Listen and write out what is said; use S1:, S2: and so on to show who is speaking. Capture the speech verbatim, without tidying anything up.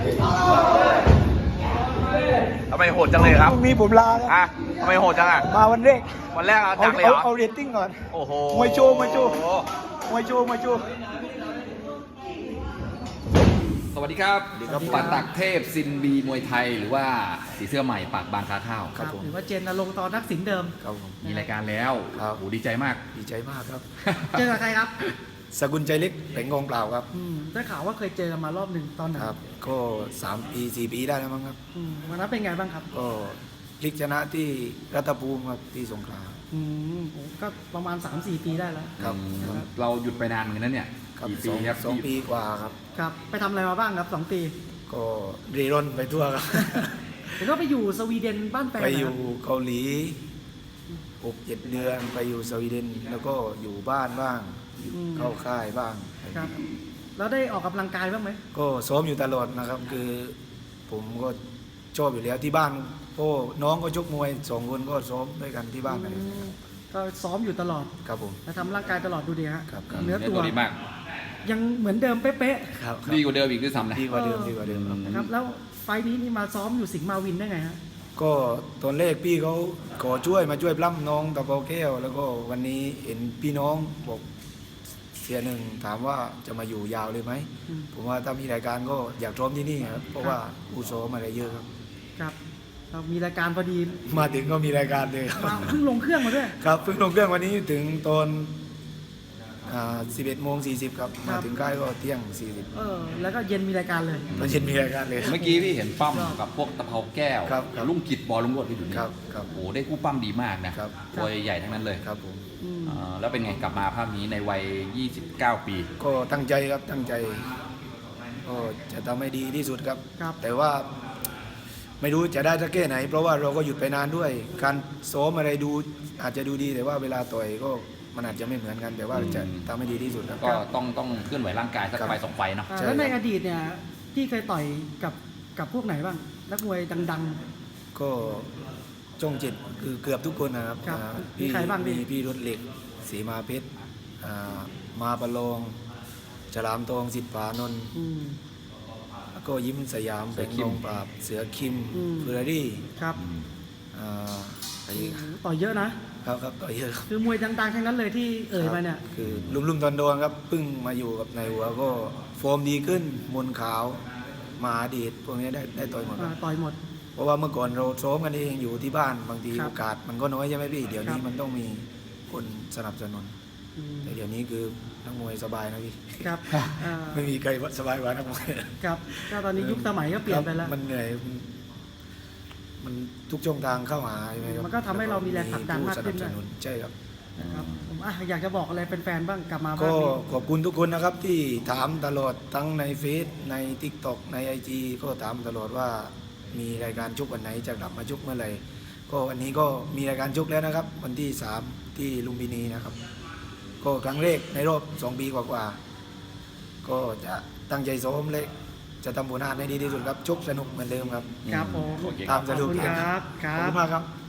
S1: ทำไมโหดจังเลยครับ
S2: พรุ่งนี้ผมลาครับ
S1: อ่ะทำไมโหดจังอ่ะ
S2: มาวันแรก
S1: วันแรกเอา
S2: เอา
S1: จังเลย
S2: เอา
S1: เหรอ
S2: เอาเรตติ้งก่อน
S1: โอ้โห
S2: มวยโชว์มวยโชว์ มวยโชว์มวยโชว์
S3: สวัสดีครับปัตตักเทพซินบีมวยไทยหรือว่าสีเสื้อใหม่ปากบางคาข้าว
S2: ครับผม
S4: หรือว่าเจนนรงค์ตอนนักสินเดิม
S2: ครับผม
S3: มีรายการแล้ว
S2: ครับ
S3: โอ้โหดีใจมาก
S2: ดีใจมากครับ
S4: เจอกับใครครับ
S2: สกุลใจเล็กแผงกองเปล่าครับ
S4: อืมได้ข่าวว่าเคยเจอกันมารอบหนึ่งตอนไหน
S2: ครับ ก็สามปีสี่ปีได้แล้วมั้งครับ
S4: อืมวันนั้นเป็นไงบ้างครับ
S2: ก็พลิกชนะที่รัตภูมิครับที่สงขลา
S4: อืมโอ้ก็ประมาณ สามสี่ ปีได้แล้ว
S2: ครับ
S3: อืมเราหยุดไปนานเหมือนกันนะเนี่ย
S2: ครับ
S3: กี่
S2: ส
S3: ปี
S2: อง
S3: ครับ
S2: สองปีกว่าครับ
S4: ครับ ไปทำอะไรมาบ้างครับสองปี
S2: ก็รีร่นไปทั่วครับ
S4: เห็นว่าไปอยู่สวีเดนบ้านแฟน
S2: ไป
S4: นะ
S2: อ
S4: ค
S2: ยู่
S4: รับ
S2: เกาหลีหกเจ็ดเดือนไปอยู่สวีเดน แล้วก็อยู่บ้านบ้างอยู่เข้าค่ายบ้าง
S4: ครับ แล้วได้ออกกำลังกายบ้างไหม
S2: ก็ซ้อมอยู่ตลอดนะครับ คือผมก็ชอบอยู่แล้วที่บ้านโอ้น้องก็ชกมวยสองคนก็ซ้อมด้วยกันที่บ้านอะไร
S4: อืมก็ซ้อมอยู่ตลอด
S2: ครับผม
S4: และทำร่างกายตลอดดูดีฮะ
S2: ครับครับ
S4: เนื้อ
S3: เนื้อ
S4: ตัว
S3: ตัวดีมาก
S4: ยังเหมือนเดิมเป๊ะ
S2: ครับ
S3: ดีกว่าเดิมอีกด้วยซ้ำนะ
S2: ดีกว่าเดิมดีกว่าเดิมครับ
S4: ๆนะครับ แล้วไฟล์นี้นี่มาซ้อมอยู่สิงห์มาวินได้ไงฮะ
S2: ก็ตอนแรกพี่เขาขอช่วยมาช่วยปล้ำน้องตะเภาแก้ว แล้วก็วันนี้เห็นพี่น้องบอกเสียหนึ่งถามว่าจะมาอยู่ยาวเลยไหม
S4: อืม
S2: ผมว่าถ้ามีรายการก็อยากซ้อมที่นี่ครับเพราะว่าอุโสมอะไรเยอะครับ
S4: ครับเรามีรายการพอดี
S2: มาถึงก็มีรายการเลยครับ
S4: มาเพิ่งลงเครื่องมาด้วย
S2: ครับเพิ่งลงเครื่องวันนี้ถึงตอนสิบเอ็ดโมงสี่สิบครับ
S4: ครั
S2: มา
S4: บ
S2: ถึงค่ายก็เที่ยงสี่สิบ
S4: เออ แล้วก็เย็นมีรายการเลย
S2: ตอนเย็นมีรายการเลย
S3: เมื่อกี้พี่เห็นปั้มกับพวกตะเภาแก้ว
S2: ครับครับ
S3: ลุงกิจบอลลุงโรดที่อยู่นี่
S2: ครับครับ
S3: โอ้โหได้คู่ปั้มดีมากนะครับ ตัวใหญ่ๆทั้งนั้นเลย
S2: ครับผม
S4: อืม
S3: เอ่อแล้วเป็นไงกลับมาภาพนี้ในวัย ยี่สิบเก้า ปี
S2: ก็ตั้งใจครับตั้งใจก็จะทำให้ดีที่สุดครับ
S4: ครับ
S2: แต่ว่าไม่รู้จะได้สักแค่ไหน เพราะว่าเราก็หยุดไปนานด้วย การซ้อมอะไรดูอาจจะดูดี แต่ว่าเวลาต่อยก็มันอาจจะไม่เหมือนกัน แต่ว่าจะทำให้ดีที่สุดครับ
S3: ก็ต้องต้องเคลื่อนไหวร่างกายสัก
S2: ครับ
S3: ไฟสองไฟเนาะ
S4: อ่า
S2: ใช่
S4: แล้วใน
S2: ครับ
S4: อดีตเนี่ยพี่เคยต่อยกับกับพวกไหนบ้าง นักมวยดัง
S2: ก็จ้องจิตคือเกือบทุกคนนะครับ
S4: ครับ
S2: อ่า
S4: มีใครบ้างพี่
S2: มีพี่รถเหล็กสีมาเพชรอ่ามาประโลองฉลามทองสิทธิ์ผานนท์
S4: ๆอืม
S2: แล้วก็ยิ้มสยาม
S3: เสื
S2: เป็
S3: อน คิม
S2: กองปราบเสือคิม
S4: อืม
S2: เฟอร์รารี่
S4: ครับ
S2: อ่าอะไรอีก
S4: ต่อยเยอะนะ
S2: ครับครับต่อเยอะครับ
S4: คือมวยดังๆทั้งนั้นเลยที่เอ่ยมาเนี่ย
S2: คือลุ่มๆตอนโดนครับเพิ่งมาอยู่กับในายหัวก็โฟมดีขึ้นมนขาวมหาดีดพวกนี้ได้ได้ต่อยหมดค
S4: อ่า
S2: รับ
S4: ต่อยหมด
S2: เพราะว่าเมื่อก่อนเราซ้อมกันเองอยู่ที่บ้านบางที
S4: ครับ
S2: โอกาสมันก็น้อยใช่ไหมพี่เดี๋ยว
S4: ค
S2: นี้
S4: รับ
S2: มันต้องมีคนสนับสนุน
S4: อืม
S2: แต่เดี๋ยวนี้คือนักมวยสบายนะพี่
S4: ครับอ่า
S2: ไม่มีใครสบายกว่านักมวย
S4: ครับก็ตอนนี้ยุคสมัยก็เปลี่ยนไปแล้ว
S2: ครับมันเหนื่อยมันมันทุกช่องทางเข้าหาใช่ไหมครับ
S4: มันก็ทำให้เรามีแรงผลักดันมากขึ้น
S2: ผู้ส
S4: ด้วย
S2: นับสนุนใช่ครับ
S4: นะครับผมอ่ะอยากจะบอกอะไรแฟนๆบ้างกลับมาบ้า
S2: ก็
S4: งนี้
S2: ขอบคุณทุกคนนะครับที่ถามตลอดทั้งในเฟซใน ทิกตอก ใน ไอ จี ก็ถามตลอดว่ามีรายการชกวันไหนจะกลับมาชกเมื่อไหร่ก็วันนี้ก็มีรายการชกแล้วนะครับ วันที่สามที่ลุมพินีนะครับ ก็ครั้งแรกในรอบสองปีกว่าๆก็จะตั้งใจซ้อมเลยจะทำผลงานให้ดีที่สุดครับชกสนุกเหมือนเดิมครับ
S4: ครับผม
S3: โอเค
S2: ตามสะดวก
S4: ขอบคุณครับค
S2: ข
S4: รั
S2: อบคุ
S4: บ
S2: ณมากครับ